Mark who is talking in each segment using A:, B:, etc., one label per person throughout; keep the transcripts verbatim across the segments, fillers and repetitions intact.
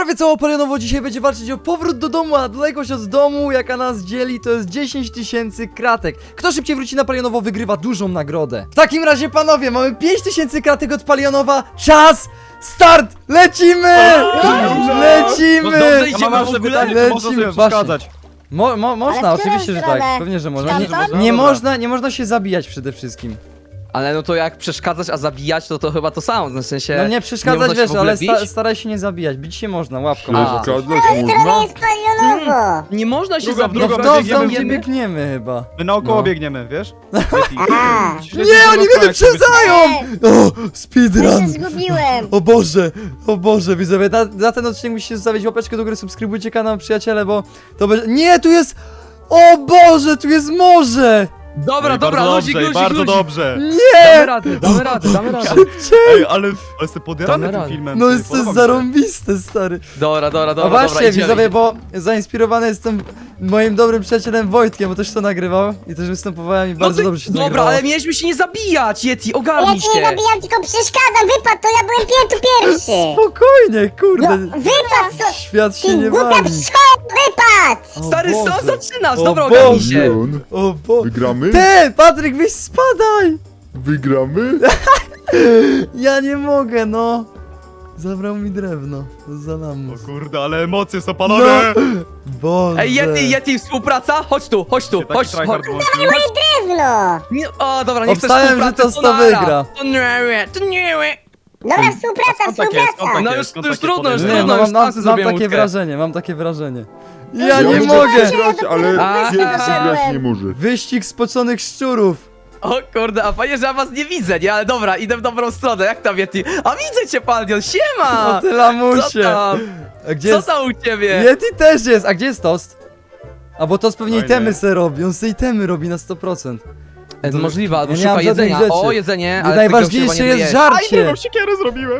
A: prawie całą palionowo dzisiaj będzie walczyć o powrót do domu, a odległość od domu, jaka nas dzieli, to jest dziesięć tysięcy kratek. Kto szybciej wróci na palionowo, wygrywa dużą nagrodę. W takim razie, panowie, mamy pięć tysięcy kratek od palionowa. Czas! Start! Lecimy! Lecimy!
B: Ja mam jeszcze pytanie, czy można sobie
A: Lecimy,
B: przeszkadzać?
A: Mo mo można,
C: Ale w którą
A: oczywiście, że
C: stronę?
A: tak. Pewnie, że można. Nie,
C: Stamtąd?
A: nie
B: Dobra.
A: można, nie można się zabijać przede wszystkim.
D: Ale no to jak przeszkadzać, a zabijać, to to chyba to samo, w sensie...
A: No nie przeszkadzać,
D: można się
A: wiesz,
D: w ogóle
A: ale sta
D: bić?
A: staraj się nie zabijać. Bić się można, łapką.
D: A.
E: Przeszkadzać
C: To
E: można?
C: jest palionowo!
D: Nie można się
B: Druga,
A: No
D: zabijać,
A: w
B: druga,
A: to, w
B: biegniemy,
A: dom, gdzie
B: biegniemy.
A: biegniemy chyba.
B: My naokoło
A: No.
B: biegniemy, wiesz?
C: A,
A: Nie, oni mnie wyprzedzają! O,
C: ja się
A: speedrun!
C: zgubiłem!
A: O Boże, o Boże, widzowie, na, za ten odcinek musicie zostawić łapeczkę do góry, subskrybujcie kanał, przyjaciele, bo to będzie... Nie, tu jest... O Boże, tu jest morze!
D: Dobra,
B: Ej,
D: dobra,
B: bardzo
D: luzik,
B: dobrze,
D: luzik,
B: bardzo
D: luzik.
B: dobrze.
D: Damy
A: Nie!
D: radę, damy radę, damy radę.
B: Ej, ale, ale jestem podjarany
D: Damy
B: tym
D: radę.
B: filmem.
A: No
B: ty,
A: jest to
B: podoba mi się.
A: zarąbiste, stary.
D: Dobra, dobra,
A: No
D: dobra,
A: właśnie,
D: dobra, idziemy,
A: widzowie,
D: idziemy.
A: bo zainspirowany jestem moim dobrym przyjacielem Wojtkiem, bo też to nagrywał i też występowałem i
D: No
A: bardzo
D: ty-
A: dobrze się to
D: Dobra,
A: nagrywało.
D: ale mieliśmy się nie zabijać, Yeti,
C: Ja
D: ogarnij
C: cię nie
D: się.
C: zabijam, tylko przeszkadzam! Wypadł, to ja byłem pier tu pierwszy!
A: Spokojnie,
C: No,
A: kurde.
C: wypadł to!
A: Świat się
C: Ty
A: nie
C: głupia
A: wali.
C: pszczo! Wypadł!
A: O
D: Stary, co
A: Boże.
D: zaczynasz?
A: O
D: Dobra,
A: Boże.
D: ogarnij się.
E: Milion.
A: O Boże.
E: Wygramy?
A: Ty, Patryk, wyś spadaj!
E: Wygramy?
A: Ja nie mogę, no. Zabrał mi drewno. Za lamus.
B: O kurde, ale emocje są panowie!
A: Boże.
D: Ej, Yeti, Yeti, współpraca? Chodź tu, chodź tu,
B: Taki
D: chodź,
B: tryhard
D: chodź.
B: włączył.
C: Drewno!
D: Nie, o, dobra, nie chcesz
A: Obstałem, że
D: współpracy,
A: to sto
D: nara.
A: wygra.
D: To nie, to nie.
C: Dobra, współpraca,
B: skąd takie, skąd
C: współpraca!
B: takie?
D: No już,
B: skąd
D: już
B: takie
D: trudno, już
B: podejrzenia?
A: Nie,
D: trudno,
A: no,
D: już
A: mam, mam,
D: sam
A: mam
D: sobie
A: takie
D: łódkę.
A: wrażenie, mam takie wrażenie. Ja
C: Ja
A: nie
C: muszę
A: mogę!
C: patrzeć.
E: Grać, ale
D: A,
E: Yeti
D: a,
E: grać nie może.
A: Wyścig spoconych szczurów.
D: O kurde, a fajnie, że ja was nie widzę, nie? Ale dobra, idę w dobrą stronę, jak tam Yeti? A widzę cię, Paldion, siema!
A: O ty
D: Co
A: lamusie.
D: tam?
A: A gdzie
D: Co
A: jest...
D: tam u ciebie?
A: Yeti też jest. A gdzie jest Toast? A bo Toast pewnie
B: Fajnie.
A: itemy se robi. On se itemy robi na sto procent.
D: E, Możliwe, albo
A: Ja nie mam
D: szuka
A: żadnych
D: jedzenia.
A: rzeczy.
D: O, jedzenie,
A: I
D: ale
A: najważniejsze
D: tego się chyba nie
A: jest
D: doje.
B: Aj,
A: żarcie.
B: drugą siekierę zrobiłem!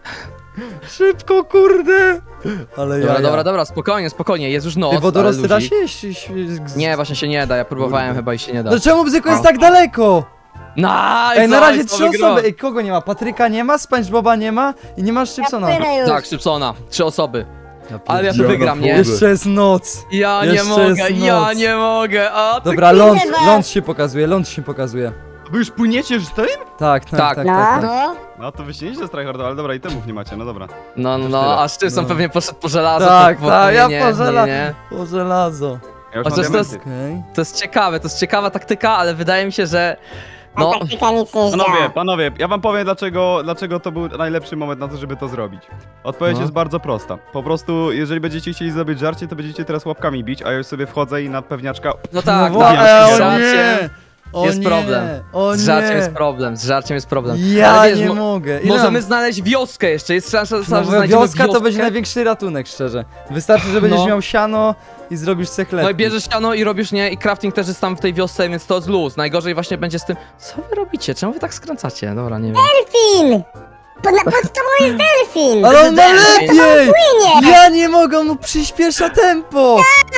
A: Szybko, kurde. Ale ja.
D: Dobra, dobra, dobra, spokojnie, spokojnie, jest już noc,
A: Ty wodorosty
D: ale
A: da
D: ludzik.
A: się jeść? jeść- jeść-
D: Nie, właśnie się nie da, ja próbowałem
A: Kurde.
D: chyba i się nie da.
A: No czemu Bzyku jest
D: O.
A: tak daleko?
D: Nice,
A: Ej, na razie
D: nice,
A: trzy
D: wygrał.
A: osoby. Ej, kogo nie ma? Patryka nie ma, SpongeBoba nie ma i nie masz Szybsona.
C: Płynę już.
D: Tak, Szybsona, trzy osoby. Ale ja tu
E: Ja
D: wygram, nie?
E: naprawdę.
A: Jeszcze jest noc.
D: Ja nie
A: Jeszcze
D: mogę,
A: jest
D: ja
A: noc.
D: nie mogę, a ty...
A: Dobra, ląd,
C: widzę was.
A: ląd się pokazuje, ląd się pokazuje.
B: Wy już płyniecie z tym?
A: Tak, tak, tak,
D: Tak.
A: tak.
C: No,
A: tak.
C: no.
B: No to wy się nieźle z tryhardu, ale dobra, itemów nie macie, no dobra.
D: No, no,
B: Już
D: no,
B: tyle.
D: a Szybson
A: No.
D: pewnie poszedł po żelazo.
A: Tak,
D: po, po,
A: tak,
D: nie,
A: ja
D: nie,
A: po
D: nie,
A: żela-
D: nie.
A: O żelazo.
B: Ja już
D: Chociaż
B: mam
D: to jest-
B: diamenty.
A: Okej.
D: To jest ciekawe, to jest ciekawa taktyka, ale wydaje mi się, że... No,
C: A taktyka nic nie
B: Panowie,
C: zdziała.
B: panowie, ja wam powiem dlaczego, dlaczego to był najlepszy moment na to, żeby to zrobić. Odpowiedź
D: No.
B: jest bardzo prosta. Po prostu, jeżeli będziecie chcieli zrobić żarcie, to będziecie teraz łapkami bić, a ja już sobie wchodzę i na pewniaczka...
D: no tak,
A: no,
D: tak,
A: e,
D: z
A: o
D: żarciem,
A: nie! O
D: jest
A: nie,
D: problem.
A: O
D: z żarciem
A: nie.
D: jest problem, z żarciem jest problem.
A: Ja
D: Ale wiesz,
A: nie
D: mo-
A: mogę. Ile
D: Możemy
A: mam?
D: znaleźć wioskę jeszcze, jest szansa, że
A: No,
D: znajdziemy
A: wioska
D: wioskę.
A: to będzie największy ratunek, szczerze. Wystarczy, że będziesz
D: No.
A: miał siano i zrobisz se chleb.
D: No i bierzesz siano i robisz, nie? I crafting też jest tam w tej wiosce, więc to jest luz. Najgorzej właśnie będzie z tym... Co wy robicie? Czemu wy tak skręcacie? Dobra, nie wiem.
C: Delfin! Pod, na, pod tobą jest delfin!
A: Ale on ma
D: Delfin.
A: lepiej!
C: Płynie!
A: Ja nie mogę, on mu przyspiesza tempo!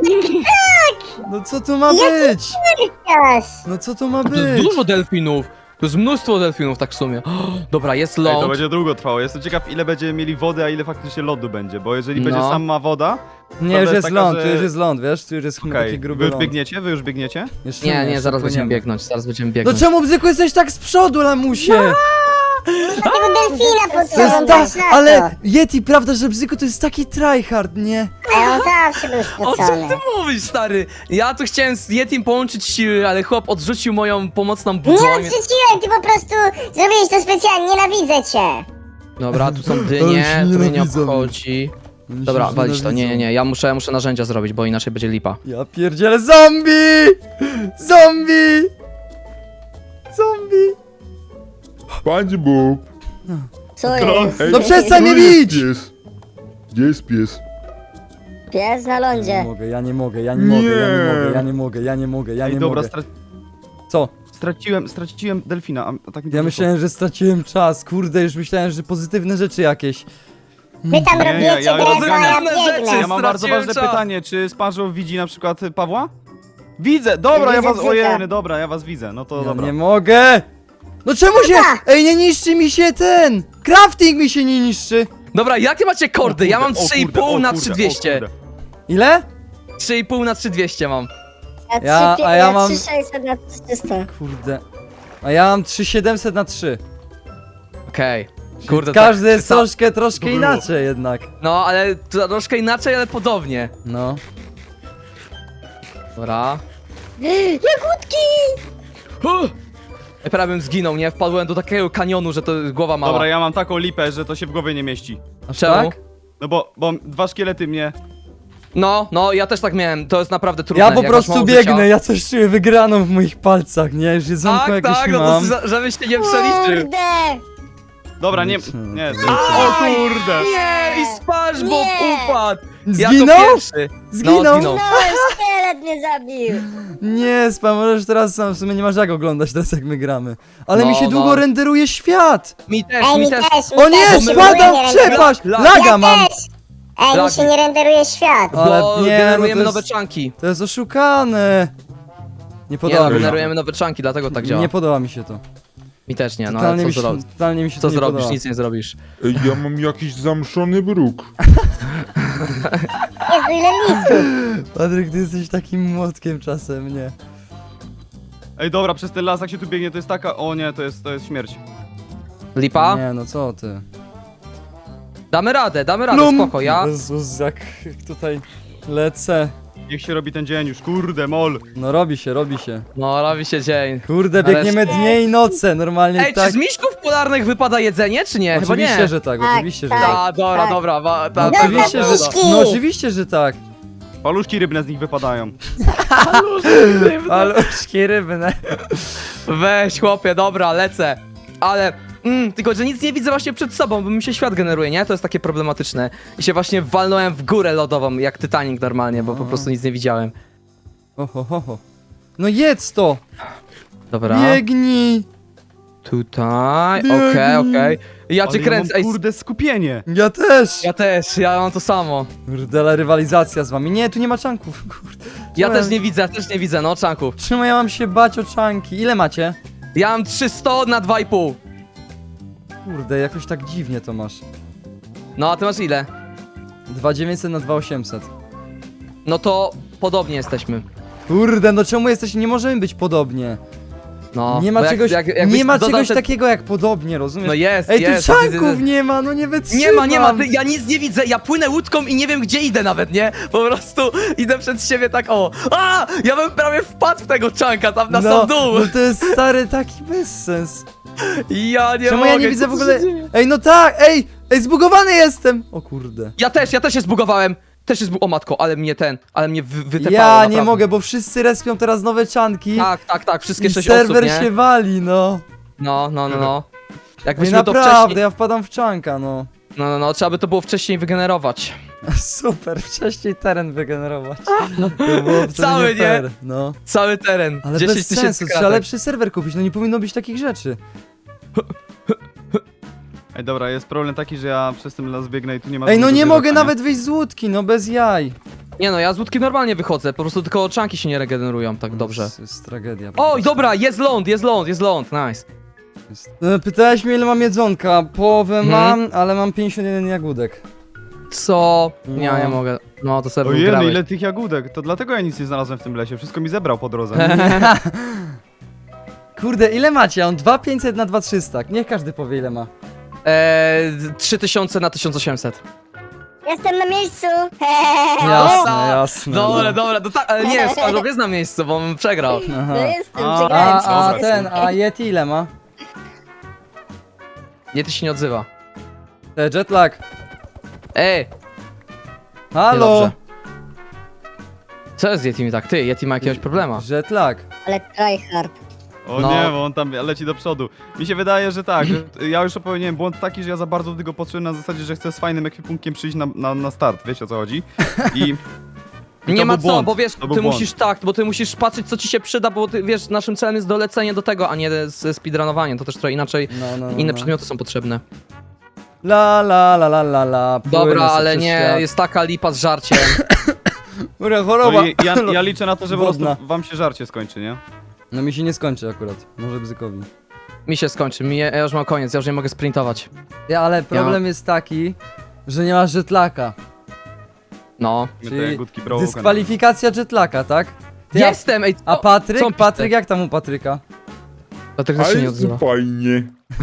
A: No co to ma być?
C: Yes.
A: No co to ma
D: To jest
A: być?
D: dużo delfinów. To jest mnóstwo delfinów tak w sumie. Dobra, jest
B: Ej, to
D: ląd.
B: będzie długo trwało. Jestem ciekaw, ile będziemy mieli wody, a ile faktycznie lodu będzie, bo jeżeli będzie
D: No.
B: sama woda...
A: Nie,
B: Prawda
A: już
B: jest
A: jest
B: taka,
A: ląd,
B: że-
A: tu już jest ląd, wiesz? Tu już jest
B: Okej,
A: taki
B: wy
A: gruby
B: już
A: ląd.
B: biegniecie? Wy już biegniecie?
A: Jeszcze
D: Nie, nie,
A: jeszcze
D: zaraz będziemy
A: płyniemy.
D: biegnąć, zaraz będziemy
A: No
D: biegnąć.
A: czemu, Bzyku, jesteś tak z przodu, lamusie?
C: Tego delfina pod
A: To jest
C: sobą
A: ta,
C: masz na to.
A: ale Yeti, prawda, że Bzyku to jest taki tryhard, nie?
C: A on zawsze był
D: O czym
C: spocony.
D: ty mówisz, stary? Ja tu chciałem z Yetim połączyć siły, ale chłop odrzucił moją pomocną
C: Nie
D: budzą.
C: odrzuciłem, ty po prostu zrobiłeś to specjalnie, nienawidzę cię.
D: Dobra, tu są
A: Ale
D: dynie,
A: się
D: to mnie nie
A: nienawidzą.
D: obchodzi.
A: Oni się
D: Dobra,
A: już
D: walić to, nie, nie,
A: nienawidzą.
D: nie, ja muszę, muszę narzędzia zrobić, bo inaczej będzie lipa.
A: Ja pierdzielę, zombie! Zombie! Zombie!
E: SpongeBob!
C: Co
B: Kro-
C: jest?
E: Ej,
A: No przestań mnie
E: gdzie jest
A: bić!
E: pies? Gdzie jest pies?
C: Pies na
A: Ja nie
C: lądzie.
A: mogę, ja nie mogę, ja nie mogę, ja nie
E: Nie.
A: mogę, ja nie mogę, ja nie mogę, ja
B: Ej,
A: nie
B: dobra,
A: mogę.
B: stra
A: Co?
B: straciłem, straciłem delfina, a a tak mi to
A: Ja
B: wyszło.
A: myślałem, że straciłem czas, kurde, już myślałem, że pozytywne rzeczy jakieś.
C: Wy tam
B: Nie, ja-
C: robicie
B: ja
C: drewno, a ja
D: rozganiam rzeczy.
C: biegnę.
B: Ja mam bardzo
D: Straciłem
B: ważne
D: czas.
B: pytanie, czy SpongeBob widzi na przykład y, Pawła? Widzę, dobra, ja
C: Widzę
B: was,
C: Bzyka.
B: ojej, dobra, ja was widzę, no to
A: Ja
B: dobra.
A: nie mogę! No czemu się... Ej, nie niszczy mi się ten! Crafting mi się nie niszczy!
D: Dobra, jakie macie kordy? Ja mam
B: O kurde,
D: trzy i
B: o kurde,
D: pół
B: o
D: na
B: kurde,
D: trzy
B: o
D: dwieście.
B: kurde.
A: Ile?
D: trzy i pół na trzy dwieście mam.
C: Ja,
A: Ja-
C: trzy,
A: a ja mam-
C: trzy sześćset na trzysta.
A: Kurde. A ja mam trzy siedemset na trzy.
D: Okej. Kurde,
A: Każdy
D: tak,
A: jest
D: ta-
A: troszkę, troszkę
B: było.
A: inaczej jednak.
D: No, ale to troszkę inaczej, ale podobnie.
A: No.
D: Dobra.
C: Jagódki!
D: Huh! Ja prawie bym zginął, nie? Wpadłem do takiego kanionu, że to głowa mała.
B: Dobra, ja mam taką lipę, że to się w głowie nie mieści.
A: Aż
D: Czemu?
A: tak?
B: No bo, bo dwa szkielety mnie...
D: No, no, ja też tak miałem, to jest naprawdę trudne.
A: Ja po
D: jak masz
A: prostu
D: mało
A: biegnę,
D: życia.
A: ja coś czuję wygraną w moich palcach, nie? Już jedzonko
D: Tak,
A: jakieś
D: tak, no
A: mam.
D: to, żebyś się nie przeliczył.
C: Kurde!
B: Dobra, nie...
A: Nic,
B: Nie,
A: nic.
B: o kurde!
D: Nie, i SpongeBob
C: Nie.
D: upadł! Ja
A: Zginął?
D: to pierwszy.
A: Zginął?
D: No, zginął.
C: No, szkielet mnie zabił!
A: Nie, spam, możesz teraz sam, w sumie nie masz jak oglądać teraz jak my gramy. Ale
D: No,
A: mi się
D: no.
A: długo renderuje świat!
D: Mi też,
C: Ej,
D: mi
C: mi
D: też.
C: też, mi
A: O nie,
C: też, mi się w ogóle
A: spadam
C: nie
A: w
C: renderuje.
A: przepaść!
D: La-
A: Laga
C: Ja
A: mam!
C: też! Ej, mi
D: Lagi.
C: się nie renderuje świat.
A: Ale
D: Bo
A: nie, no
D: generujemy
A: to
D: nowe
A: jest-
D: czanki.
A: To jest oszukane! Nie
D: Nie
A: podoba
D: no,
A: mi się.
D: generujemy nowe czanki, dlatego tak działa.
A: Nie podoba mi się to.
D: Mi też nie, no ale
A: Totalnie
D: co
A: mi się,
D: zrobisz?
A: totalnie mi się
D: Co
A: to nie
D: zrobisz?
A: podoba.
D: Nic nie zrobisz.
E: Ej, ja mam jakiś zamszony bruk.
C: Jezu, ile listów!
A: Patryk, ty jesteś takim młotkiem czasem, nie?
B: Ej, dobra, przez ten las jak się tu biegnie, to jest taka... O nie, to jest, to jest śmierć.
D: Lipa?
A: Nie, no co ty?
D: Damy radę, damy radę,
A: Plum!
D: spoko, ja...
A: Jezus, jak tutaj lecę.
B: Niech się robi ten dzień już, kurde, mol.
A: No robi się, robi się.
D: No, robi się dzień.
A: Kurde,
D: Ale-
A: biegniemy dnie i noce, normalnie
D: Ej,
A: tak.
D: czy z miśków polarnych wypada jedzenie, czy nie? Chyba
A: Oczywiście,
D: nie.
A: że tak,
C: Tak,
A: oczywiście, że
C: tak.
A: tak.
D: A, dobra,
C: tak.
D: dobra, wa,
A: No,
D: ta,
C: Dobra,
A: oczywiście, że
C: miśki.
A: No oczywiście, że tak.
B: Paluszki rybne z nich wypadają.
A: Paluszki rybne.
D: Weź, chłopie, dobra, lecę. Ale, mm, tylko, że nic nie widzę właśnie przed sobą, bo mi się świat generuje, nie? To jest takie problematyczne. I się właśnie walnąłem w górę lodową, jak Titanic normalnie, bo po prostu nic nie widziałem.
A: Oho, ho, ho. No jedz to!
D: Dobra,
A: Biegnij!
D: tutaj,
A: Biegnij.
D: okej, okej. Ja
B: Ale
D: cię kręcę,
B: mam,
D: ej,
B: kurde, skupienie.
A: Ja też!
D: ja też, ja mam to samo.
A: Kurde, ale rywalizacja z wami. Nie, tu nie ma czanków, kurde.
D: Ja
A: Czemu
D: też nie widzę, ja też nie widzę, no, czanków.
A: Czemu ja mam się bać o czanki? Ile macie?
D: Ja mam trzysta na dwa i pół.
A: Kurde, jakoś tak dziwnie to masz.
D: No, a ty masz ile?
A: dwa dziewięćset na dwa osiemset.
D: No to podobnie jesteśmy.
A: Kurde, no czemu jesteście? Nie możemy być podobnie.
D: No,
A: nie ma
D: bo jak-
A: czegoś,
D: jak- jakbyś
A: nie ma
D: dodał
A: czegoś
D: te-
A: takiego jak podobnie, rozumiesz?
D: No jest,
A: Ej,
D: jest.
A: tu
D: jest, jest,
A: czanków
D: jest.
A: nie ma, no nie wytrzymam.
D: Nie ma, nie ma, ty, ja nic nie widzę, ja płynę łódką i nie wiem gdzie idę nawet, nie? Po prostu idę przed siebie tak o. A! Ja bym prawie wpadł w tego czanka tam na
A: no,
D: sam dół.
A: no to jest stary taki bezsens.
D: Ja nie
A: Czemu
D: mogę.
A: ja nie widzę
D: co
A: w
D: tu
A: ogóle...
D: się dzieje?
A: Ej, no tak, ej, ej, zbugowany jestem! O kurde.
D: Ja też, ja też się zbugowałem. Też się zbu... O matko, ale mnie ten, ale mnie wy, wytepało,
A: Ja
D: naprawdę.
A: nie mogę, bo wszyscy respią teraz nowe czanki.
D: Tak, tak, tak, wszystkie
A: I
D: sześć
A: serwer
D: osób, nie?
A: się wali, no.
D: No, no, no, no.
A: Ej,
D: Jakbyśmy to
A: naprawdę,
D: wcześniej...
A: ja wpadam w czanka, no.
D: No, no, no, trzeba by to było wcześniej wygenerować.
A: Super, wcześniej teren wygenerować. To było wtedy
D: Cały, nie?
A: fair, no.
D: Cały teren,
A: Ale
D: dziesięć
A: bez
D: tysięcy
A: sensu, trzeba
D: kratek.
A: lepszy serwer kupić, no nie powinno być takich rzeczy.
B: Ej, dobra, jest problem taki, że ja przez ten las biegnę i tu nie ma...
A: Ej, no
B: żadnego
A: nie mogę
B: zwierzaka,
A: nawet wyjść z łódki, no bez jaj.
D: Nie no, ja z łódki normalnie wychodzę, po prostu tylko czanki się nie regenerują tak dobrze.
A: To jest tragedia. po
D: Oj,
A: prostu.
D: dobra, jest ląd, jest ląd, jest ląd, nice.
A: Jest- E, Pytałeś mnie ile mam jedzonka, połowę
D: Mhm.
A: mam, ale mam pięćdziesiąt jeden jagódek.
D: Co?
A: No.
D: Ja nie mogę. No to serwer
B: Ojej, no
D: grałeś.
B: ile tych jagódek. To dlatego ja nic nie znalazłem w tym lesie. Wszystko mi zebrał po drodze.
A: Kurde, ile macie? Ja mam dwa pięćset na dwa trzysta. Niech każdy powie ile ma.
D: Eee, trzy tysiące na tysiąc osiemset.
C: Jestem na miejscu!
A: Jasne,
D: tak.
A: jasne.
D: Dobra,
A: no.
D: dobra, to tak, ale nie, Sparrow jest na miejscu, bo on przegrał.
A: Aha.
C: No jestem,
B: A,
C: przegrałem
A: A, a
C: się.
A: ten, a Yeti ile ma?
D: Nie, ty się nie odzywa.
A: Te jetlag.
D: Ej,
A: Halo?
D: niedobrze. Co jest z Yeti tak? Ty, Yeti ma jakiegoś problema.
A: Jetlag.
C: Ale tryhard.
B: O
D: No.
B: nie, bo on tam leci do przodu. Mi się wydaje, że tak. Że ja już popełniłem błąd taki, że ja za bardzo do tego patrzyłem na zasadzie, że chcę z fajnym ekwipunkiem przyjść na, na, na start. Wiecie o co chodzi? I... I
D: Nie
B: to
D: ma
B: był
D: co,
B: błąd.
D: bo wiesz,
B: To był
D: ty
B: błąd.
D: musisz tak, bo ty musisz patrzeć co ci się przyda, bo ty wiesz, naszym celem jest dolecenie do tego, a nie z speedrunowanie, to też trochę inaczej,
A: No, no, no,
D: inne
A: no.
D: przedmioty są potrzebne.
A: La la la la la la. płynę
D: Dobra,
A: sobie
D: ale
A: przez
D: nie,
A: świat.
D: jest taka lipa z żarciem.
A: Kurde,
B: No
A: choroba.
B: i ja, ja liczę na to, że po
A: Wodna.
B: prostu wam się żarcie skończy, nie?
A: No mi się nie skończy akurat. Może Bzykowi.
D: Mi się skończy, mi, ja już mam koniec, ja już nie mogę sprintować.
A: Ja, ale problem jest taki, Że nie masz jetlaka.
D: No.
B: My
A: Czyli
B: te jagódki broken.
A: dyskwalifikacja jetlaka, tak? Ty, a-
D: Jestem, ej,
A: A
D: co-
A: Patryk?
D: co on
A: Patryk,
D: pisze?
A: jak tam u Patryka?
D: Patryk też
E: Ale
D: się nie
E: jest
D: odzywa.
E: fajnie.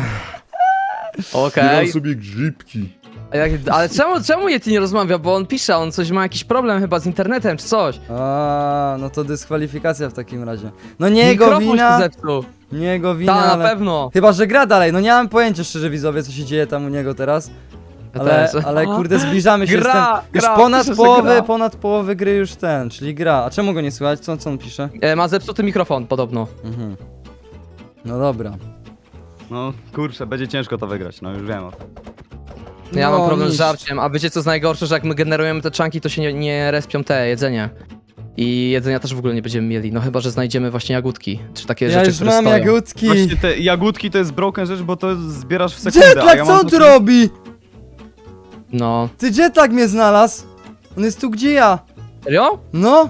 D: Okej.
E: Zbieram sobie grzybki.
D: A jak- Ale czemu, czemu Yeti nie rozmawia? Bo on pisze, on coś ma jakiś problem chyba z internetem czy coś.
A: A, no to dyskwalifikacja w takim razie. No nie jego
D: Mikrofon
A: wina,
D: się zepsuł.
A: nie jego wina,
D: Ta, na
A: ale...
D: pewno.
A: Chyba, że gra dalej, no nie mam pojęcia szczerze widzowie, co się dzieje tam u niego teraz.
D: Ja
A: Ale,
D: też.
A: ale kurde, zbliżamy się
D: Gra,
A: z tym. Już
D: gra,
A: ponad
D: pisze, że
A: połowy,
D: gra.
A: ponad połowy gry już ten, czyli gra. A czemu go nie słychać? Co, co on pisze?
D: E, ma zepsuty mikrofon podobno.
A: Mhm. No dobra.
B: No kurczę, będzie ciężko to wygrać, no już wiem o tym.
D: Ja
A: No,
D: mam problem
A: nic.
D: z żarciem, a wiecie co jest najgorsze, że jak my generujemy te czanki, to się nie, nie respią te jedzenie. I jedzenia też w ogóle nie będziemy mieli, no chyba, że znajdziemy właśnie jagódki, czy takie
A: Ja
D: rzeczy,
A: już
D: które
A: mam
D: stoją.
A: jagódki.
B: Właśnie te jagódki to jest broken rzecz, bo to zbierasz w sekundę, a
A: Jetlag,
B: ja
A: co
B: mam
A: on tu
B: takie-
A: robi?
D: No.
A: Ty jetlag mnie znalazł. On jest tu gdzie ja.
D: Serio?
A: No.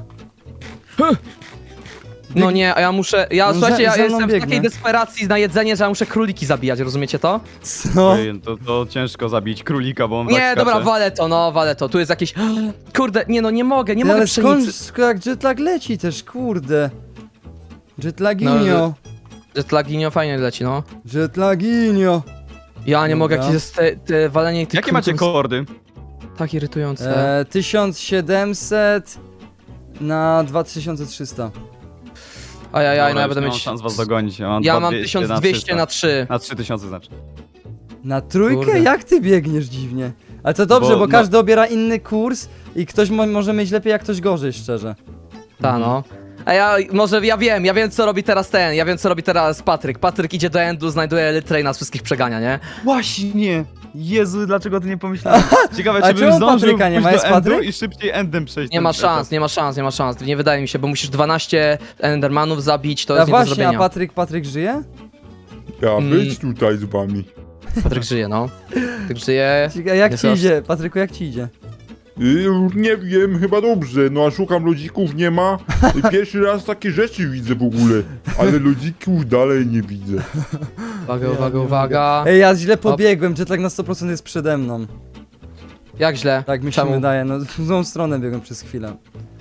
D: No nie, a ja muszę, ja
A: No,
D: słuchajcie,
A: za-
D: ja
A: za mną
D: jestem w
A: biegnie.
D: takiej desperacji na jedzenie, że ja muszę króliki zabijać, rozumiecie to?
A: Co?
B: Ojej, to, to ciężko zabić królika, bo on
D: Nie,
B: tak
D: dobra,
B: skacze.
D: walę to, no, walę to, tu jest jakieś... Kurde, nie no, nie mogę, nie
A: Ty,
D: mogę
A: ale skąd,
D: pszenicy.
A: skąd jak jetlag leci też, kurde. Jetlaginio.
D: No, Jetlaginio fajnie leci, no.
A: Jetlaginio.
D: Ja nie mogę,
A: Dobra.
D: jakieś jest te, te walenie tych
B: Jakie macie
D: królików
B: kordy?
D: jest tak irytujące.
A: E, tysiąc siedemset na dwa tysiące trzysta.
D: Ajajaj, no ja
B: Dobra,
D: będę
B: już nie
D: mieć...
B: mam szans was dogonić. Ja mam,
D: Ja
B: dwa
D: mam
B: dwieście
D: tysiąc dwieście na trzy.
B: Na trzy tysiące znaczy.
A: Na trójkę?
D: Kurde.
A: Jak ty biegniesz dziwnie? Ale to dobrze,
B: Bo-
A: bo,
B: no-
A: każdy obiera inny kurs i ktoś mo może mieć lepiej, jak ktoś gorzej, szczerze.
D: Ta no. A ja, może ja wiem, ja wiem co robi teraz ten, ja wiem co robi teraz Patryk. Patryk idzie do endu, znajduje Elytrę i nas wszystkich przegania, nie?
B: Właśnie! Jezu, dlaczego ty nie pomyślałem? Ciekawe,
A: A
B: czy bym
A: czemu
B: zdążył
A: Patryka nie ma?
B: pójść
A: Jest
B: do endu
A: Patryk?
B: i szybciej endem przejść.
D: Nie
B: ten
D: ma
B: etap.
D: szans, nie ma szans, nie ma szans. Nie wydaje mi się, bo musisz dwanaście Endermanów zabić, to
A: A
D: jest nie do
A: właśnie, a
D: zrobienia.
A: Patryk, Patryk żyje?
E: Ja
D: Mm.
E: być tutaj z wami.
D: Patryk żyje, no. Patryk żyje.
A: A jak
D: Jest
A: ci
D: aż-
A: idzie? Patryku, jak ci idzie?
E: Y, nie wiem, chyba dobrze. No a szukam ludzików, nie ma. I pierwszy raz takie rzeczy widzę w ogóle. Ale ludzików dalej nie widzę.
D: Uwaga, uwaga, uwaga.
A: Ej, ja źle pobiegłem, jetlag na sto procent jest przede mną.
D: Jak źle?
A: Tak mi się
D: Czemu?
A: wydaje, no w złą stronę biegłem przez chwilę.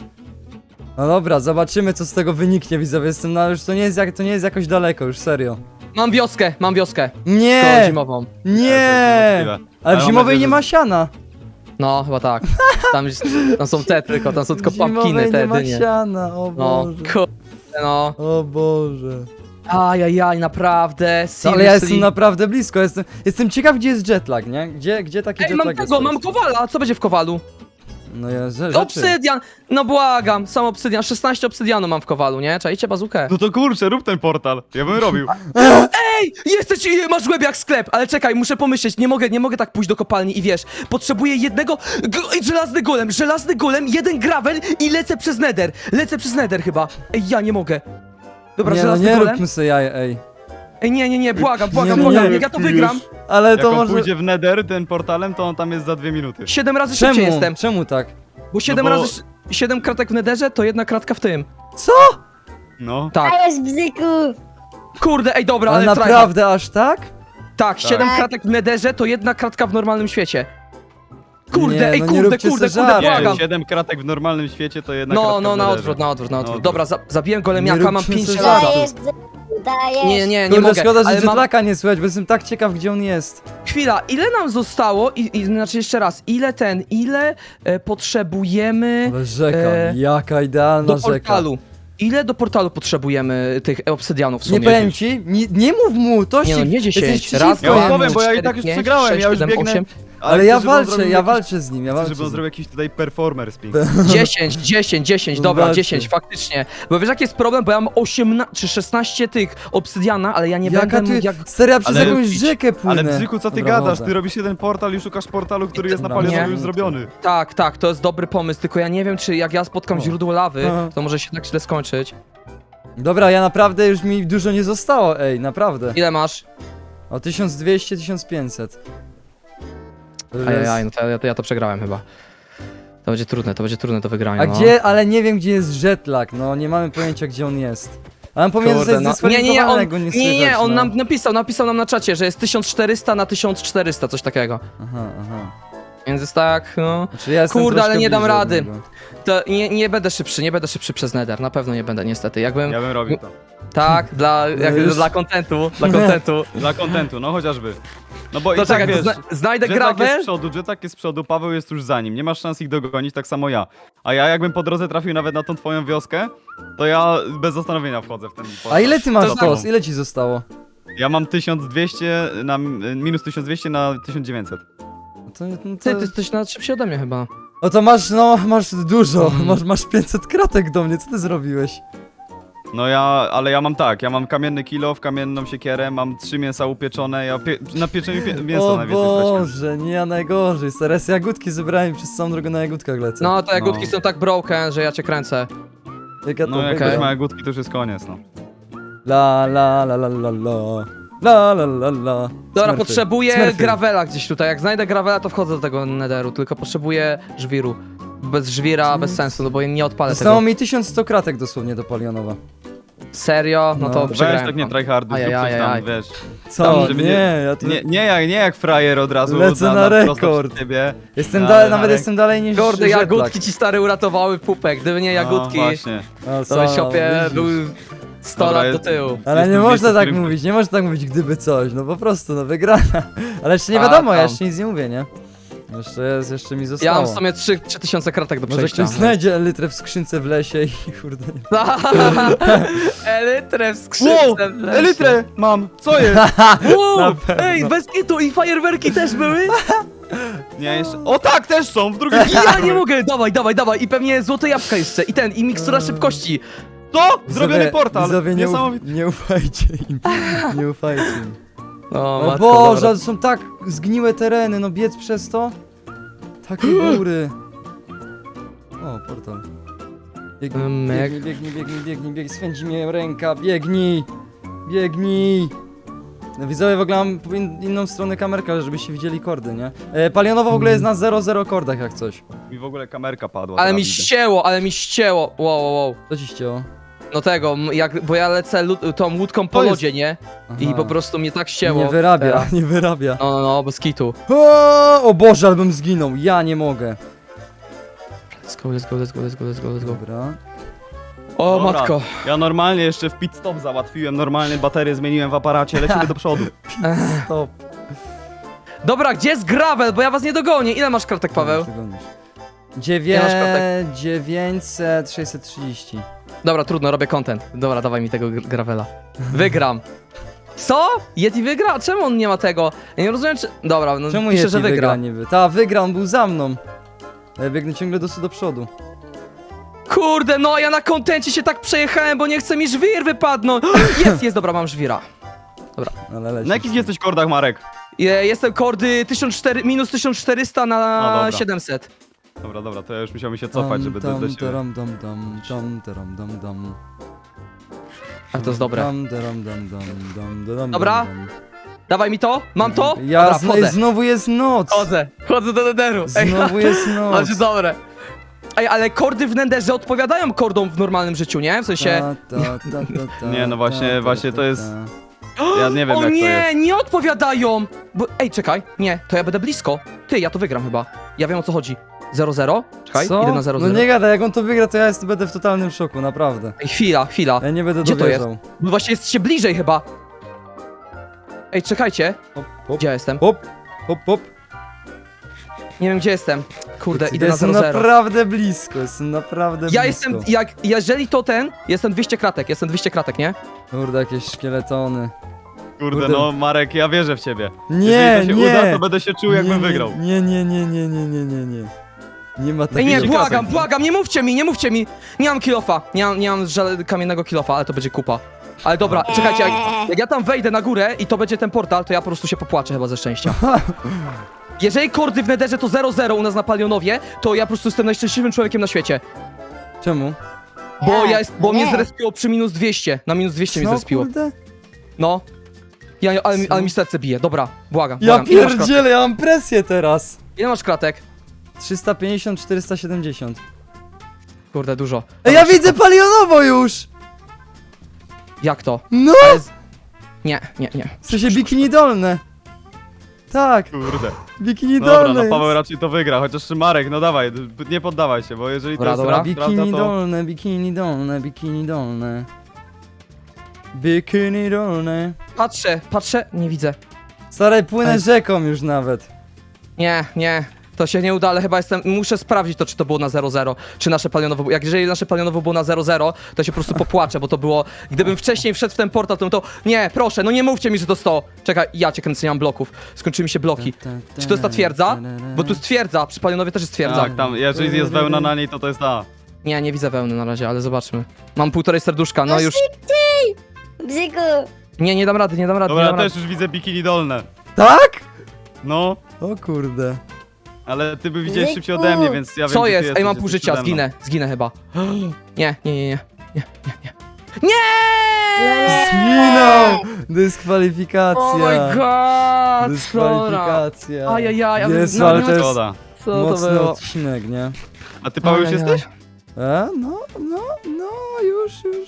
A: No dobra, zobaczymy co z tego wyniknie, widzowie. Jestem na już to nie jest jak to nie jest jakoś daleko, już serio.
D: Mam wioskę, mam wioskę. Szkołę
A: Nie!
D: zimową.
A: Nie!
B: Ale
A: Ale w
B: mam
A: zimowej
B: nadzieję,
A: nie
B: że-
A: ma siana.
D: No, chyba tak. Tam, jest- tam są te tylko, tam są tylko
A: W
D: pumpkiny,
A: zimowej
D: te
A: nie ma
D: dynie.
A: siana, o
D: No,
A: Boże.
D: kurde, no.
A: O Boże.
D: Ajajaj, naprawdę,
A: No, ale
D: seriously.
A: ja jestem naprawdę blisko, jestem, jestem ciekaw gdzie jest jetlag, nie? Gdzie, gdzie taki
D: Ej,
A: jetlag
D: mam
A: jest?
D: tego, mam kowala, co będzie w kowalu?
A: No ja, że, rzeczy.
D: Obsydian! No błagam, sam obsydian, szesnaście obsydianu mam w kowalu, nie? Czajcie bazukę.
B: No to kurczę, rób ten portal. Ja bym robił.
D: Ej, jesteś, masz głęb jak sklep, ale czekaj, muszę pomyśleć, nie mogę, nie mogę tak pójść do kopalni i wiesz, potrzebuję jednego, g żelazny golem, żelazny golem, jeden gravel i lecę przez nether, lecę przez nether chyba. Ej, ja nie mogę. Dobra,
A: Nie no,
D: żelazny
A: nie
D: golem.
A: róbmy sobie jaj, ej.
D: Ej, nie, nie, nie, błagam, błagam,
A: nie,
D: błagam,
A: nie,
D: jak ja to
E: czujesz?
D: wygram.
A: Ale
B: Jak
A: to
B: on
A: może...
B: pójdzie w nether ten portalem, to on tam jest za dwie minuty.
D: Siedem razy szybciej
A: Czemu?
D: jestem,
A: Czemu tak?
D: bo siedem
B: bo-
D: razy, sz- siedem kratek w netherze to jedna kratka w tym.
A: Co?
B: No.
D: Tak,
C: A jest bzyku!
D: kurde, ej, dobra,
A: Ale
D: ale tryhard.
A: naprawdę aż tak?
D: Tak, siedem
C: Tak.
D: kratek w netherze to jedna kratka w normalnym świecie. Kurde,
A: Nie,
D: ej,
A: no nie
D: kurde,
A: róbcie
D: kurde,
A: se
D: kurde,
A: żartów.
D: błagam.
B: Nie, siedem kratek w normalnym świecie to jedna
D: No,
B: kratka
D: no,
B: w
D: na
B: netherze.
D: odwrót, na odwrót, na odwrót.
B: odwrót.
D: Dobra, za, zabiłem
A: Nie
D: golemiaka, mam
A: róbcie
D: pięć
A: se
D: żelaza.
A: żartów.
C: Dajesz bzyku, dajesz!
D: Nie, nie, nie
A: Kurde,
D: mogę,
A: szkoda, że
D: ale mam...
A: jetlaka nie słychać, bo jestem tak ciekaw gdzie on jest.
D: Chwila, ile nam zostało, i, i znaczy jeszcze raz, ile ten, ile e, potrzebujemy
A: Ale rzeka,
D: E,
A: jaka idealna
D: do
A: rzeka.
D: portalu? Ile do portalu potrzebujemy tych obsydianów w
A: Nie
D: sumie?
A: powiem ci, nie, nie mów mu, to
D: Nie no,
A: się...
D: nie
A: jesteś
D: dziesięć, raz,
A: przeciwko
B: Ja
D: dwa,
B: wam
A: jemu.
B: powiem, bo ja i
D: cztery,
B: tak już
D: pięć,
B: przegrałem,
D: sześć,
B: ja już
D: siedem,
B: biegnę.
D: osiem.
A: Ale
B: chcę,
A: ja
B: żeby on
A: walczę,
B: zrobił
A: ja
B: jakiś-
A: walczę z nim, ja
B: Chcę,
A: walczę
B: żeby on
A: z nim.
B: zrobił jakiś tutaj performer spin.
D: dziesięć, dziesięć, dziesięć, dobra,
A: Walczy.
D: dziesięć, faktycznie. Bo wiesz jaki jest problem, bo ja mam osiemnaście czy szesnaście tych obsydiana, ale ja nie
A: Jaka
D: będę
A: ty...
D: mógł jak...
A: Serio, ja przez
B: Ale-
A: jakąś rzekę płynę.
B: Ale Bzyku, co ty
A: Dobra,
B: gadasz?
A: wodę.
B: Ty robisz jeden portal i szukasz portalu, który jest na
A: Dobra,
B: palionowie
A: nie.
B: już zrobiony.
D: Tak, tak, to jest dobry pomysł, tylko ja nie wiem, czy jak ja spotkam
A: O.
D: źródło lawy,
A: Aha.
D: to może się tak źle skończyć.
A: Dobra, ja naprawdę już mi dużo nie zostało, ej, naprawdę.
D: Ile masz?
A: O tysiąc dwieście, tysiąc pięćset. To już jest-
D: Ajajaj, no to ja, to ja to przegrałem chyba. To będzie trudne, to będzie trudne do wygrania.
A: A
D: no.
A: gdzie, ale nie wiem gdzie jest jetlag, no nie mamy pojęcia gdzie on jest. Ale on powinien
D: Kurde,
A: zostać
D: no. Nie, nie, nie, on,
A: zdyskwalifikowany, jak go nie
D: nie,
A: słychać,
D: nie, on
A: no.
D: nam napisał, napisał nam na czacie, że jest tysiąc czterysta na tysiąc czterysta, coś takiego.
A: Aha, aha.
D: Więc jest tak, no...
A: Znaczy, ja jestem
D: Kurde,
A: troszkę
D: ale nie dam
A: bliżej od
D: rady.
A: niego.
D: To nie, nie będę szybszy, nie będę szybszy przez Nether, na pewno nie będę niestety. Jakbym...
B: Ja bym robił to.
D: Tak, dla, jak,
A: już-
D: dla kontentu, dla kontentu.
B: Dla kontentu, no chociażby. No bo
D: To
B: i tak
D: czekaj, to
B: wiesz,
D: zna znajdę
B: Jetlag jest z
D: gravel.
B: przodu, Jetlag jest z przodu, Paweł jest już za nim. Nie masz szans ich dogonić, tak samo ja. A ja jakbym po drodze trafił nawet na tą twoją wioskę, to ja bez zastanowienia wchodzę w ten
A: A ile ty masz
D: To
A: tos? Ile ci zostało?
B: Ja mam tysiąc dwieście na minus tysiąc dwieście na tysiąc dziewięćset.
A: No to, no to...
D: Ty, ty jesteś nawet szybciej ode mnie chyba.
A: O to masz, no, masz dużo,
D: Mm.
A: masz, masz pięćset kratek do mnie, co ty zrobiłeś?
B: No ja, ale ja mam tak, ja mam kamienny kilof, kamienną siekierę, mam trzy mięsa upieczone, ja pie na pieczeniu pie mięsa
A: O
B: najwięcej straciłem.
A: Boże, nie ja najgorzej, teraz jagódki zebrałem i przez całą drogę na jagódkach lecę.
D: No, te jagódki
B: No.
D: są tak broken, że ja cię kręcę.
A: Jak ja to
B: No jak
A: wygram.
B: ktoś ma jagódki, to już jest koniec, no.
A: La la la la la la la la la la.
D: Dobra,
A: Smurfy.
D: potrzebuję
A: Smurfy.
D: gravela gdzieś tutaj. Jak znajdę gravela, to wchodzę do tego netheru, tylko potrzebuję żwiru. Bez żwira, bez sensu, no bo nie odpalę
A: Zostało
D: tego.
A: mi tysiąc sto kratek dosłownie do Palionowa.
D: Serio? No
A: No.
D: to
A: Weź
B: Weź
D: przegrałem.
B: tak nie tryharduj, zrób
D: Ajajaj,
B: coś tam,
D: aj.
B: wiesz.
A: Co?
B: Tam, żeby
A: nie,
B: nie-
A: ja tu
B: Nie, nie, jak, nie jak frajer od razu
A: Lecę na
B: prosto
A: rekord.
B: przed ciebie.
A: jestem
B: No,
A: dalej,
B: ale
A: nawet
B: Marek-
A: jestem dalej niż
D: Kurde,
A: Jetlag.
D: jagódki ci stary uratowały pupek. Gdyby nie jagódki,
B: No, właśnie.
A: No,
D: to byś
A: co,
D: siopie
A: widzisz.
D: był sto
B: Dobra,
D: lat do
B: jest-
D: tyłu.
A: Ale nie
B: Jestem
A: można
B: miejscu,
A: tak
B: w którym-
A: mówić, nie można tak mówić gdyby coś, no po prostu, no wygrana. Ale jeszcze nie
D: A,
A: wiadomo, ja
D: tam.
A: jeszcze nic nie mówię, nie? Jeszcze jest, jeszcze mi
D: Ja
A: zostało.
D: mam w sumie trzy tysiące kratek do
A: Może
D: przejścia.
A: ktoś znajdzie litrę w skrzynce w lesie i kurde nie.
D: Elytrę w skrzynce. w lesie.
B: Elytrę mam, co jest?
D: Wow,
A: Na pewno.
D: ej, bez kitu i fajerwerki też były?
B: Nie, jeszcze... O tak, też są, w drugim
D: Ja nie mogę, dawaj, dawaj, dawaj. I pewnie złote jabłka jeszcze. I ten, i mikstura szybkości.
B: To! Zrobiony
A: Widzowie-
B: portal!
A: Widzowie, nie, uf
B: Niesamowite.
A: nie ufajcie im. Nie ufajcie im.
D: O,
A: O
D: matko,
A: Boże,
D: dobra.
A: ale są tak zgniłe tereny, no biec przez to. Takie góry. O, portal. Biegnij,
D: Myk.
A: biegnij, biegnij, biegnij, biegnij, biegnij, swędzi mnie ręka, biegnij! Biegnij! No widzowie, w ogóle mam in, inną stronę kamerka, żebyście widzieli kordy, nie? E, Palionowo w ogóle jest na zero zero kordach jak coś.
B: Mi w ogóle kamerka padła.
D: Ale
B: teraz
D: mi
B: widzę.
D: ścięło, ale mi ścięło. Wow, wow, wow.
A: Co ci ścięło?
D: No tego, m- jak, bo ja lecę lu- tą łódką po
B: To jest-
D: lodzie, nie? I
A: Aha.
D: po prostu mnie tak ścięło.
A: Nie wyrabia,
D: teraz.
A: nie wyrabia.
D: No, no, no, bez kitu.
A: O, o Boże, albym zginął, ja nie mogę.
D: Let's go, let's go, let's go, let's go, let's go, let's go.
A: Dobra.
D: O,
B: Dobra,
D: matko.
B: Ja normalnie jeszcze w pit stop załatwiłem, normalnie baterię zmieniłem w aparacie, lecimy do przodu.
A: Stop.
D: Dobra, gdzie jest gravel? Bo ja was nie dogonię. Ile masz kratek, Paweł?
A: Dziewię...
D: masz kartek?
A: dziewięćset, sześćset trzydzieści.
D: Dobra, trudno, robię content. Dobra, dawaj mi tego gr- gravela. Wygram. Co? Yeti wygra? Czemu on nie ma tego? Ja nie rozumiem, czy... Dobra, no
A: Czemu
D: pisze,
A: Yeti
D: że wygra.
A: wygra niby? Ta, wygra, on był za mną. Ja biegnę ciągle do, do przodu.
D: Kurde, no ja na kontencie się tak przejechałem, bo nie chce mi żwir wypadnąć. Jest, jest, dobra, mam żwira.
A: Ale leci.
B: Na jakich jesteś kordach, Marek?
D: Je- Jestem kordy tysiąc czterysta, minus tysiąc czterysta
B: O,
D: na
B: dobra.
D: siedemset.
B: Dobra, dobra, to ja już musiałem się cofać, żeby do, do siebie.
A: Tam, tam, tam, tam, tam, tam, tam.
D: A to jest dobre.
A: Tam, tam, tam, tam, tam, tam,
D: Dobra.
A: tam.
D: Dawaj mi to? Mam to?
A: Ja
D: Dobra,
A: zno,
D: wchodzę.
A: znowu jest noc.
D: Chodzę, chodzę do nederu. Ej,
A: Znowu jest noc.
D: Znaczy dobre. Ej, ale kordy w Nenderze odpowiadają kordom w normalnym życiu, nie? W sensie...
A: Ta, ta, ta, ta, ta,
B: Nie, no właśnie-
A: ta, ta,
B: właśnie
A: ta,
B: to jest-
A: ta.
B: Ja nie wiem
D: O
B: jak to
D: nie,
B: jest.
D: nie odpowiadają! Bo, ej, czekaj, nie, to ja będę blisko. Ty, ja to wygram chyba. Ja wiem o co chodzi. zero zero? Czekaj,
A: Co?
D: idę na zero
A: No
D: zero.
A: nie gada, jak on to wygra, to ja jest, będę w totalnym szoku, naprawdę.
D: Ej, chwila, chwila.
A: Ja nie będę
D: Gdzie to
A: dowierzał.
D: Bo właśnie jesteście bliżej chyba. Ej, czekajcie.
A: Hop, hop,
D: Gdzie ja jestem?
A: hop, hop, hop.
D: Nie wiem gdzie jestem. Kurde,
A: Ja
D: idę na
A: jestem
D: zero zero.
A: naprawdę blisko, jestem naprawdę
D: Ja
A: blisko.
D: jestem, jak, jeżeli to ten, jestem dwieście kratek, jestem dwieście kratek, nie?
A: Kurde, jakieś szkieletony.
B: Kurde,
A: Kurde.
B: no Marek, ja wierzę w ciebie.
A: Nie,
B: Jeżeli to się
A: nie.
B: uda, to będę się czuł jakbym
A: nie,
B: wygrał.
A: Nie, nie, nie, nie, nie, nie, nie, nie. Nie ma
D: Ej,
A: takiego.
D: nie,
B: dwieście
D: błagam,
B: kratek.
D: błagam, nie mówcie mi, nie mówcie mi. Nie mam kilofa, nie mam, nie mam żadnego kamiennego kilofa, ale to będzie kupa. Ale dobra, czekajcie, jak, jak ja tam wejdę na górę i to będzie ten portal, to ja po prostu się popłaczę chyba ze szczęścia. Jeżeli kordy w Nederze to zero zero u nas na Palionowie, to ja po prostu jestem najszczęśliwszym człowiekiem na świecie.
A: Czemu?
D: Bo ja jest, bo mnie
C: Nie.
D: zrespiło przy minus dwieście, na minus dwieście mnie
A: Co,
D: zrespiło.
A: kurde?
D: No. Ja, ale, mi-
A: Co?
D: ale mi serce bije, dobra, błagam,
A: Ja
D: błagam. Ile masz kratek?
A: pierdzielę, ja mam presję teraz.
D: Ile masz kratek?
A: trzysta pięćdziesiąt, czterysta siedemdziesiąt.
D: Kurde, dużo.
A: Ej, ja widzę palionowo już!
D: Jak to?
A: No!
D: Ale z... Nie, nie, nie.
A: W sensie bikini dolne. Tak,
B: Kurde.
A: bikini
B: Dobra,
A: dolne
B: no
A: jest.
B: Paweł raczej to wygra, chociaż Marek, no dawaj, nie poddawaj się, bo jeżeli
D: Dobra,
B: to jest
D: dobra.
B: rap, prawda,
A: Bikini
B: to...
A: dolne, bikini dolne, bikini dolne. Bikini dolne.
D: Patrzę, patrzę, nie widzę.
A: Stary, płynę
D: Ej.
A: rzeką już nawet.
D: Nie, nie. To się nie uda, ale chyba jestem. Muszę sprawdzić to, czy to było na zero zero, czy nasze palionowo. Jak jeżeli nasze palionowo było na zero zero, to się po prostu popłaczę, bo to było. Gdybym wcześniej wszedł w ten portal, to bym to. Nie, proszę, no nie mówcie mi, że to sto. Czekaj, ja cię kręcę, nie mam bloków. Skończyły mi się bloki. Czy to jest ta twierdza? Bo tu jest twierdza, przy palionowie też jest twierdza.
B: Tak, tam, jeżeli jest wełna na niej, to to jest ta.
D: Nie, nie widzę wełny na razie, ale zobaczmy. Mam półtorej serduszka, no
C: No
D: już.
C: Bzyku.
D: Nie, nie dam rady, nie dam rady,
B: Dobra,
D: nie
B: ja
D: dam rady.
B: też już widzę bikini dolne.
A: Tak?
B: No,
A: O kurde.
B: ale ty by widziałeś
C: Zyku.
B: szybciej ode mnie, więc ja wiem,
D: Co
B: gdzie ty
D: jest?
B: jesteś,
D: Ej, mam
B: jesteś
D: pół życia,
B: przede mną.
D: zginę, zginę chyba. Nie, nie, nie, nie. Nie, nie, nie. Nie!
A: Zginął! Dyskwalifikacja.
D: Oh my god! Dobra.
A: Dyskwalifikacja.
D: Ajajaj, ale-
A: Jezu,
D: no,
A: ale
D: nie
A: to
D: ma-
A: jest
B: Szkoda.
D: Co to
A: mocny
D: było?
A: odcinek, nie?
B: A ty Paweł już
D: Ajajaj.
B: jesteś?
A: E? No, no, no, już, już.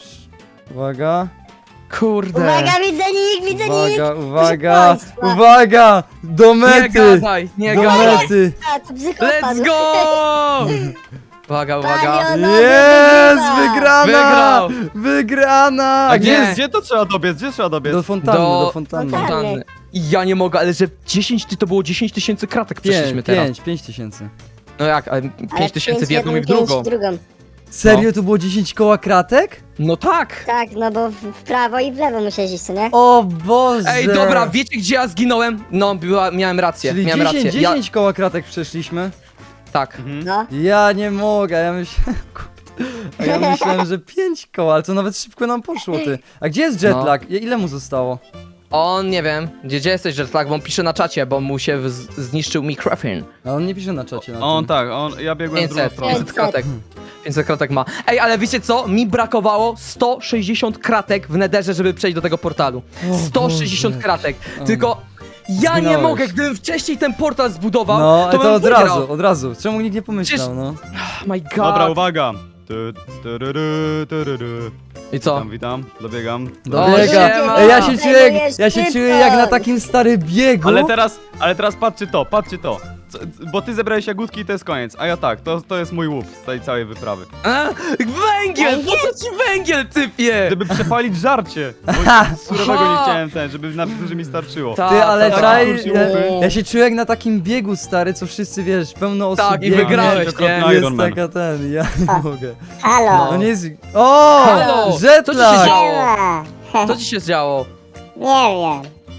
A: Uwaga,
D: Kurde.
C: Uwaga, widzę nick, widzę nick.
A: uwaga, uwaga,
C: państwa.
A: uwaga! Do
D: Nie
A: mety!
D: gadaj, nie
A: Do
D: gadaj.
A: mety!
C: A, to bzyku
D: Let's
C: odpadł.
D: go! Uwaga, uwaga.
C: Palionowy
A: Jest!
C: wygrywa.
A: Wygrana!
D: Wygrał.
A: Wygrana!
B: A gdzie,
D: nie.
B: jest, gdzie to trzeba dobiec? Gdzie trzeba dobiec?
A: Do fontanny, do,
D: Do-
A: fontanny.
C: fontanny.
D: Fontanny. I ja nie mogę, ale że dziesięć, ty to było dziesięć tysięcy kratek przeszliśmy
A: Pięć,
D: teraz.
A: pięć, pięć tysięcy.
D: No jak, ale
C: Ale
D: pięć tysięcy w
C: pięć
D: jedną i w
C: pięć
D: drugą.
C: w drugą.
A: Serio, to było dziesięć koła kratek?
D: No tak.
C: Tak, no bo w, w prawo i w lewo musiałeś iść, co nie?
A: O Boże!
D: Ej, dobra, wiecie gdzie ja zginąłem? No, była, miałem rację,
A: Czyli
D: miałem
A: dziesięć,
D: rację. Ja,
A: dziesięć koła kratek przeszliśmy?
D: tak.
B: Mhm.
C: No.
A: Ja nie mogę, ja myślałem... Kurde. A ja myślałem, że pięć koła, ale to nawet szybko nam poszło, ty. A gdzie jest jetlag? I- Ile mu zostało?
D: On, nie wiem, gdzie, gdzie jesteś, że tak, bo on pisze na czacie, bo mu się z, zniszczył mikrofon.
A: A on nie pisze na czacie. Na
B: On
A: tym.
B: tak, on, ja biegłem w drugą
D: pięćset,
B: stronę.
D: pięćset kratek. pięćset kratek ma. Ej, ale wiecie co? Mi brakowało sto sześćdziesiąt kratek w nederze, żeby przejść do tego portalu.
A: O
D: sto sześćdziesiąt
A: Boże.
D: kratek.
A: O.
D: Tylko ja nie
A: Zginąłeś.
D: mogę, gdybym wcześniej ten portal zbudował,
A: No,
D: to
A: ale
D: bym
A: to od
D: wygrał.
A: razu, od razu. Czemu nikt nie pomyślał,
D: Przecież-
A: no?
D: Oh my god.
B: Dobra, uwaga. Tu, tururu, tururu.
D: I co?
B: Witam, witam, dobiegam.
A: Dobiega.
D: siema.
A: Ej, ja się czuję, jak,
C: Zajmujesz
A: ja się
C: szybko.
A: czuję jak na takim starym biegu.
B: Ale teraz, ale teraz patrzcie to, patrzcie to. Co, bo ty zebrałeś jagódki i to jest koniec, a ja tak, to, to jest mój łup z tej całej wyprawy.
D: A? Węgiel! Po co ci węgiel, typie?
B: Żeby przepalić żarcie, bo surowego nie chciałem ten, żeby na że mi starczyło.
D: Ta,
A: Ty, ale
D: ta,
A: czaj,
B: kurczę,
A: ja,
B: łupy.
A: ja się czuję jak na takim biegu, stary, co wszyscy, wiesz, pełno osób
D: Tak, i
A: biegnie.
D: wygrałeś,
B: Jest
D: nie?
B: Iron
A: Jest
B: Man.
A: taka ten, ja nie mogę.
C: Halo.
A: No nie jest... O!
D: Halo, co ci się
A: Jetlag!
D: działo?
C: Siema.
D: Co ci się działo?
C: Nie wiem.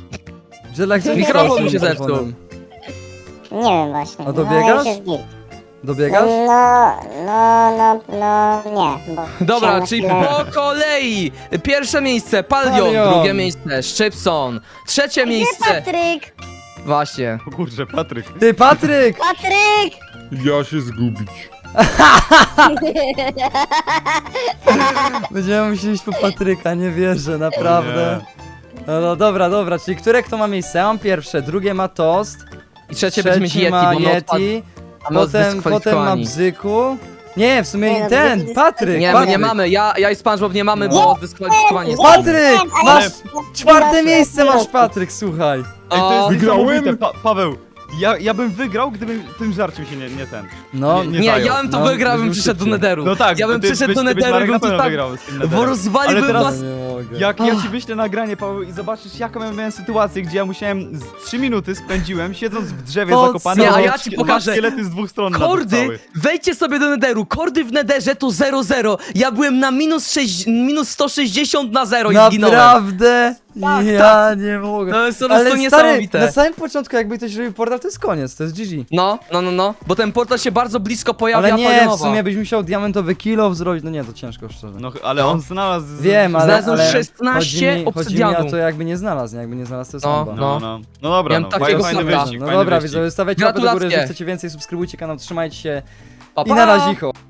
A: Jetlag, co
D: Mikrofon
A: się
D: mi się
A: stało z
D: zepsuł.
A: telefonem?
C: Nie wiem właśnie.
A: A dobiegasz?
C: No, już jest git.
A: Dobiegasz?
C: No, no, no, no, nie. Bo
D: Dobra,
C: chciałem
D: czyli
C: chwilę-
D: po kolei. Pierwsze miejsce Palion,
A: Palion.
D: drugie miejsce Szczypson, trzecie
C: Gdzie
D: miejsce...
C: Patryk?
D: Właśnie.
B: O kurczę, Patryk.
A: Ty, Patryk!
C: Patryk!
E: Ja się zgubić.
A: Będziemy musieli iść po Patryka, nie wierzę, naprawdę. No, no dobra, dobra, czyli które kto ma miejsce? Ja mam pierwsze, drugie ma Toast,
D: I trzecie będzie mieć Yeti,
A: ma
D: bo my odpad...
A: Yeti,
D: a my
A: potem, potem ma
D: zdyskwalifikowani.
A: Bzyku. Nie, w sumie
C: Nie, no,
A: ten,
C: Bzyku jest-
A: Patryk,
D: Nie, my
A: Patryk.
D: nie mamy, ja, ja i SpongeBob nie mamy, bo zdyskwalifikowani jest.
A: Patryk, masz
C: Ale-
A: czwarte miejsce masz, Patryk, słuchaj.
B: Ej, to jest
D: O,
E: Wygrałem?
B: niesamowite, pa Paweł. Ja, ja bym wygrał, gdybym tym żarciem się nie, nie ten.
A: No,
B: Nie,
D: Nie,
B: zajął.
D: ja bym to
A: No,
D: wygrał, bym
A: byśmy
D: przyszedł do
A: szybciej.
D: Nederu.
B: No tak,
D: ja bym
B: ty,
D: przyszedł
B: byś,
D: do
B: ty byś
D: Nederu i
B: Marek
D: bym
B: na
D: tu
B: pewno
D: tak...
B: wygrał z tym
D: Bo
B: Netherem.
D: rozwaliłbym
B: Ale teraz-
D: was...
A: nie mogę.
B: Jak ja ci wyślę nagranie, Paweł, i zobaczysz jaką ja miałem sytuację, gdzie ja musiałem z trzy minuty spędziłem siedząc w drzewie
A: Po
B: zakopany.
A: co?
B: a
D: Nie, a ja ci
B: dwa
D: pokażę.
B: szkielety z dwóch stron na
D: Kordy,
B: cały.
D: wejdźcie sobie do Nederu. Kordy w Nederze to zero zero. Ja byłem na minus, sześć, minus sto sześćdziesiąt na zero i zginąłem.
A: Naprawdę?
D: Tak,
A: Ja nie mogę.
D: To jest po prostu
A: Ale stary,
D: niesamowite.
A: na samym początku jakby ktoś robił portal, to jest koniec, to jest G G.
D: No, no, no, no. Bo ten portal się bardzo blisko pojawia.
A: Ale nie, w
D: Palionowa.
A: sumie byś musiał diamentowy kilo zrobić, no nie, to ciężko szczerze.
B: No, ale on znalazł...
A: Wiem, ale,
D: Znalazł
A: ale
D: szesnaście
A: chodzi mi, chodzi mi
D: obsydianu.
A: o to jakby nie znalazł, nie? Jakby nie znalazł, to jest
D: No,
A: bomba.
B: No, no. No dobra,
D: Miałem
B: no.
D: takiego
B: Fajny
D: sabra.
B: wyścig,
A: No
B: fajny
A: dobra,
B: wyścig.
A: widzowie, stawiajcie łapę do góry,
D: Gratulacje.
A: jeżeli chcecie więcej, subskrybujcie kanał, trzymajcie się
D: Pa,
A: i
D: pa.
A: na razie.